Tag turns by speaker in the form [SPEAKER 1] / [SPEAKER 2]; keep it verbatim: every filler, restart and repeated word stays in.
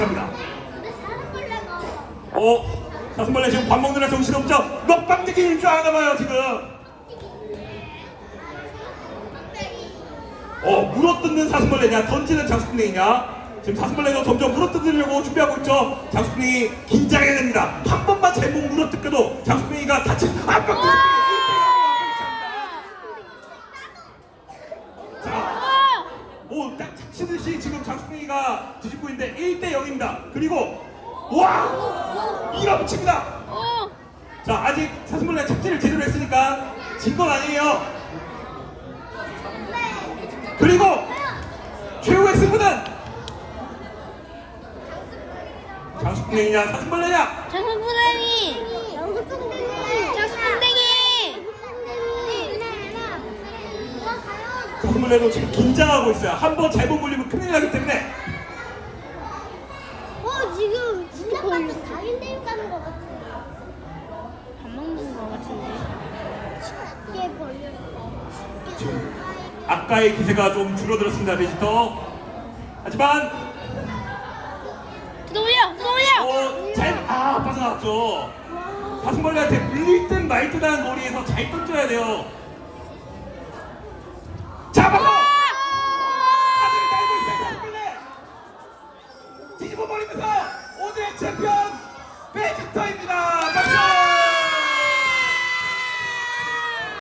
[SPEAKER 1] 어? 사슴벌레 지금 밥 먹느라 정신없죠? 먹방 느끼는 줄 아나봐요 지금. 어, 물어뜯는 사슴벌레냐 던지는 장수풍뎅이냐. 지금 사슴벌레도 점점 물어뜯으려고 준비하고 있죠. 장수풍뎅이 긴장해야 됩니다. 한 번만 제목 물어뜯겨도 장수풍뎅이가 다치 아 빡! 자, 오, 딱 치듯이 지금 장수풍뎅이가 뒤집고 있는데 일 대 영입니다. 그리고 와! 밀어붙입니다. 자, 아직 사슴벌레 착지를 제대로 했으니까 진 건 아니에요. 그리고 최후의 승부는 장수풍뎅이냐 사슴벌레냐?
[SPEAKER 2] 장수풍뎅이! 장수풍뎅이!
[SPEAKER 1] 사슴벌레도 지금 긴장하고 있어요. 한 번 잘못 물리면 큰일 나기 때문에.
[SPEAKER 2] 어, 지금 진짜 걸렸어. 다인데육 가는 것 같아. 밥 먹는 것 같은데. 쉽게 벌려.
[SPEAKER 1] 아까의 기세가 좀 줄어들었습니다, 베지터. 하지만
[SPEAKER 2] 또 올려! 또 올려!
[SPEAKER 1] 어, 잘, 아, 빠져나왔죠. 사슴벌레한테 물릴 듯 말 듯한 거리에서 잘 던져야 돼요. 잡아서! 아들이 달고 있어요, 사슴벌레! 뒤집어 버리면서 오늘의 챔피언!